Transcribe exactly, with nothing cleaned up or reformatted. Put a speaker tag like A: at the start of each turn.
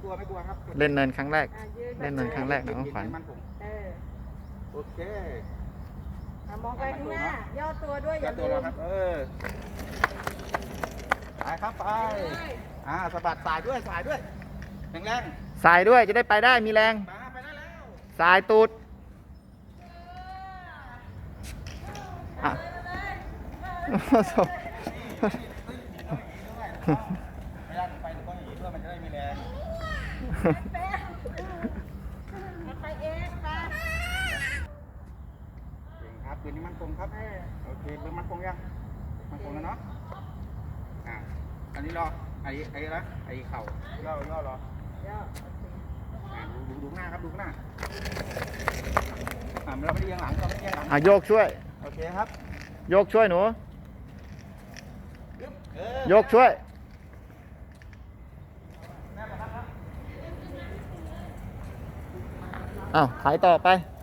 A: ลัวไม่กลัวครับ
B: เล่นเนินครั้งแรก
C: อ่ะยืน
B: เล่นเนินครั้งแรกน้องขวัญ
A: มันผม
C: เออ
A: โอเค
C: อ่ะมองไปข้างหน้า ย่อตัวด้วยอย่า
A: ตั
C: ลื
A: วเรา
C: ม
A: ครับ เออไปครับไปอ่าสะบัดสายด้วยสายด้วยแรง
B: สายด้วยจะได้ไปได้มีแรง
A: ๆมาไปได้แล้ว
B: สายตูดอ่ะ
A: ไม่ได้ไปหรือต้องอย่างนี้เพื่อมันจะได้มีแรง
C: แป๊บไปเองไป
A: เก่งครับปืนนี้มันคงครับ
C: เออ
A: โอเคปืนมันคงยังมันคงแล้วเนาะอ่าอันนี้รอไอ้ไอ้ละไอ้เข่าย่อย่อรอย่
C: อโอเค
A: อ่าดูดูดูหน้าครับดูหน้าอ่าเราไม่ได้ยังหลังเราไม่ได้ยังหลัง
B: อ่ะโยกช่วย
A: โอเคครับ
B: โยกช่วยหนู
A: เออ
B: โยกช่วยอ้าวถ่ายต่อไป